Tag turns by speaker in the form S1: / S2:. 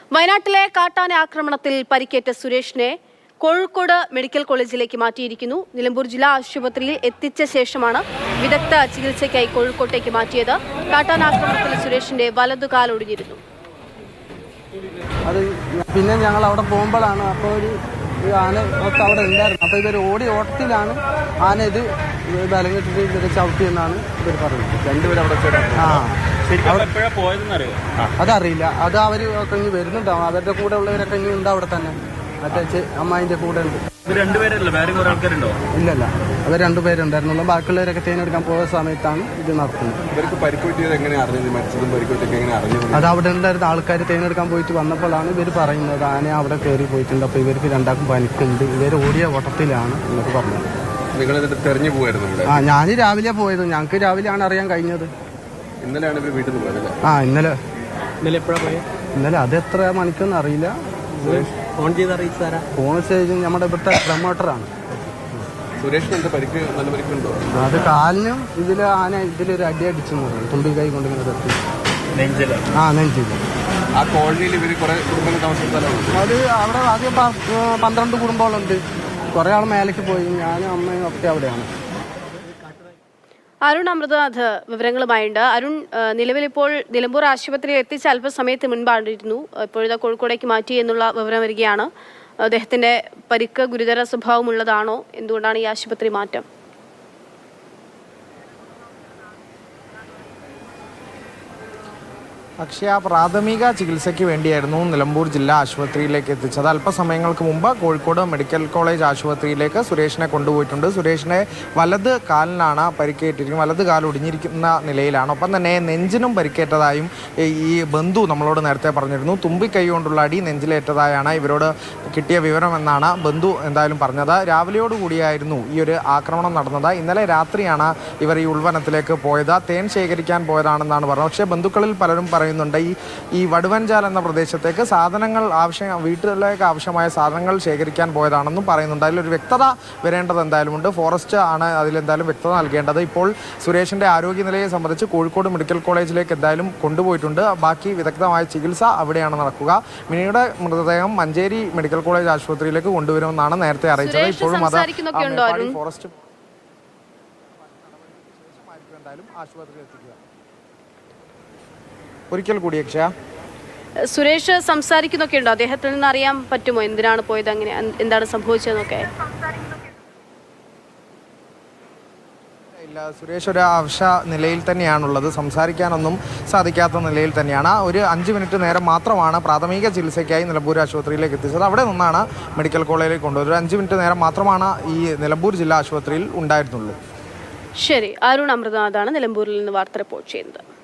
S1: വയനാട്ടിലെ കാട്ടാന ആക്രമണത്തിൽ പരിക്കേറ്റ സുരേഷിനെ കോഴിക്കോട് മെഡിക്കൽ കോളേജിലേക്ക് മാറ്റിയിരിക്കുന്നു. നിലമ്പൂർ ജില്ലാ ആശുപത്രിയിൽ എത്തിച്ച ശേഷമാണ് വിദഗ്ധ ചികിത്സയ്ക്കായി കോഴിക്കോട്ടേക്ക് മാറ്റിയത്. കാട്ടാന ആക്രമണത്തിൽ സുരേഷിന്റെ വലതുകാൽ ഒടിഞ്ഞിരുന്നു.
S2: അത് പിന്നെ ഞങ്ങൾ അവിടെ പോകുമ്പോഴാണ് അപ്പോൾ ഒരു ആന ഒക്കെ അവിടെ ഉണ്ടായിരുന്നു. അപ്പോൾ ഇവർ ഓട്ടത്തിലാണ് ആന ഇത് ബലം കെട്ടിട്ട് ഇവരെ ചവിട്ടിയെന്നാണ് ഇവർ പറയുന്നത്.
S3: രണ്ടുപേരും
S2: അതറിയില്ല. അത് അവർ ഒക്കെ ഇനി വരുന്നുണ്ടാവും. അവരുടെ കൂടെ ഉള്ളവരൊക്കെ ഇനി ഉണ്ട് അവിടെ തന്നെ. മറ്റേ അമ്മായിന്റെ കൂടെ ഉണ്ട്. ഇല്ലല്ല, അവർ രണ്ടുപേരുണ്ടായിരുന്നുള്ളൂ. ബാക്കിയുള്ളവരൊക്കെ തേനെടുക്കാൻ പോയ സമയത്താണ് ഇത് നടത്തുന്നത്. അത് അവിടെ ഉണ്ടായിരുന്ന ആൾക്കാർ തേനെടുക്കാൻ പോയിട്ട് വന്നപ്പോഴാണ് ഇവർ പറയുന്നത് ആന അവിടെ കയറി പോയിട്ടുണ്ട്. അപ്പൊ ഇവർക്ക് രണ്ടാക്കും പനിക്കുണ്ട്, ഇവർ ഓടിയ ഓട്ടത്തിലാണ് എന്നൊക്കെ പറഞ്ഞത്.
S3: തെരഞ്ഞു പോയായിരുന്നു?
S2: ഞാൻ രാവിലെ പോയത്. ഞങ്ങൾക്ക് രാവിലെയാണ് അറിയാൻ കഴിഞ്ഞത്.
S3: ഇന്നലെയാണ് ഇവർ വീട്ടിൽ നിന്ന് പോയത്.
S2: ഇന്നലെ അത് എത്ര മണിക്കൊന്നും അറിയില്ല. ഫോൺ ചെയ്ത് നമ്മുടെ ഇവിടുത്തെ പ്രൊമോട്ടറാണ്.
S3: സുരേഷിന് പരിക്ക് നല്ല പരിക്കുണ്ടോ?
S2: അത് കാലിനും ആന ഇതിലൊരു അടി അടിച്ചു തുമ്പി കൈ കൊണ്ടിങ്ങനെ തട്ടി നെഞ്ചില്ല.
S3: ആ കോളനിയിൽ ഇവര് കുറെ കുടുംബങ്ങൾ താമസിക്കുന്ന
S2: അത് അവിടെ ആദ്യം 12 കുടുംബങ്ങളുണ്ട്. കുറെ ആൾ മേലേക്ക് പോയി. ഞാനും അമ്മയും ഒക്കെ അവിടെയാണ്.
S1: അരുൺ അമൃതനാഥ് വിവരങ്ങളുമായുണ്ട്. അരുൺ, നിലവിലിപ്പോൾ നിലമ്പൂർ ആശുപത്രിയിൽ എത്തിച്ച അല്പസമയത്ത് മുൻപാണ്ടിരുന്നു. ഇപ്പോഴത്തെ കോഴിക്കോടേക്ക് മാറ്റി എന്നുള്ള വിവരം വരികയാണ്. അദ്ദേഹത്തിന്റെ പരിക്ക് ഗുരുതര സ്വഭാവമുള്ളതാണോ? എന്തുകൊണ്ടാണ് ഈ ആശുപത്രി മാറ്റം?
S4: അക്ഷയ പ്രാഥമിക ചികിത്സയ്ക്ക് വേണ്ടിയായിരുന്നു നിലമ്പൂർ ജില്ലാ ആശുപത്രിയിലേക്ക് എത്തിച്ചത്. അല്പസമയങ്ങൾക്ക് മുമ്പ് കോഴിക്കോട് മെഡിക്കൽ കോളേജ് ആശുപത്രിയിലേക്ക് സുരേഷിനെ കൊണ്ടുപോയിട്ടുണ്ട്. സുരേഷിനെ വലത് കാലിനാണ് പരിക്കേറ്റിരിക്കുന്നത്. വലത് കാൽ ഒടിഞ്ഞിരിക്കുന്ന നിലയിലാണ്. ഒപ്പം തന്നെ നെഞ്ചിനും പരിക്കേറ്റതായും ഈ ബന്ധു നമ്മളോട് നേരത്തെ പറഞ്ഞിരുന്നു. തുമ്പിക്കൈ കൊണ്ടുള്ള അടി നെഞ്ചിലേറ്റതായാണ് ഇവരോട് കിട്ടിയ വിവരമെന്നാണ് ബന്ധു എന്തായാലും പറഞ്ഞത്. രാവിലെയോടുകൂടിയായിരുന്നു ഈ ഒരു ആക്രമണം നടന്നത്. ഇന്നലെ രാത്രിയാണ് ഇവർ ഈ ഉൾവനത്തിലേക്ക് പോയത്. തേൻ ശേഖരിക്കാൻ പോയതാണെന്നാണ് പറഞ്ഞത്. പക്ഷേ ബന്ധുക്കളിൽ പലരും പറയുന്നുണ്ട് ഈ വടുവഞ്ചാൽ എന്ന പ്രദേശത്തേക്ക് വീട്ടിലേക്ക് ആവശ്യമായ സാധനങ്ങൾ ശേഖരിക്കാൻ പോയതാണെന്നും പറയുന്നുണ്ട്. അതിലൊരു വ്യക്തത വരേണ്ടത് എന്തായാലും ഉണ്ട്. ഫോറസ്റ്റ് ആണ് അതിലെന്തായാലും വ്യക്തത നൽകേണ്ടത്. ഇപ്പോൾ സുരേഷിന്റെ ആരോഗ്യനിലയെ സംബന്ധിച്ച് കോഴിക്കോട് മെഡിക്കൽ കോളേജിലേക്ക് എന്തായാലും കൊണ്ടുപോയിട്ടുണ്ട്. ബാക്കി വിദഗ്ധമായ ചികിത്സ അവിടെയാണ് നടക്കുക. മിനിയുടെ മൃതദേഹം മഞ്ചേരി മെഡിക്കൽ കോളേജ് ആശുപത്രിയിലേക്ക് കൊണ്ടുവരുമെന്നാണ് നേരത്തെ അറിയിച്ചത്. ഇപ്പോഴും അത് ഫോറസ്റ്റ് ആശുപത്രിയിൽ എത്തിക്കുക. ഒരിക്കൽ കൂടി അക്ഷയ,
S1: സുരേഷ് സംസാരിക്കുന്നൊക്കെ ഉണ്ടോ? അദ്ദേഹത്തിൽ നിന്ന് അറിയാൻ പറ്റുമോ എന്തിനാണ് പോയത്, അങ്ങനെ എന്താണ് സംഭവിച്ചതെന്നൊക്കെ?
S4: ഇല്ല, സുരേഷ് ഒരു അവശ നിലയിൽ തന്നെയാണുള്ളത്. സംസാരിക്കാനൊന്നും സാധിക്കാത്ത നിലയിൽ തന്നെയാണ്. ഒരു 5 മിനിറ്റ് നേരം മാത്രമാണ് പ്രാഥമിക ചികിത്സയ്ക്കായി നിലമ്പൂർ ആശുപത്രിയിലേക്ക് എത്തിച്ചത്. അവിടെ നിന്നാണ് മെഡിക്കൽ കോളേജിലേക്ക് കൊണ്ടുപോയത്. ഒരു 5 മിനിറ്റ് നേരം മാത്രമാണ് ഈ നിലമ്പൂർ ജില്ലാ ആശുപത്രിയിൽ ഉണ്ടായിരുന്നുള്ളൂ.
S1: ശരി, അരുൺ അമൃതനാഥാണ് നിലമ്പൂരിൽ നിന്ന് വാർത്ത റിപ്പോർട്ട് ചെയ്യുന്നത്.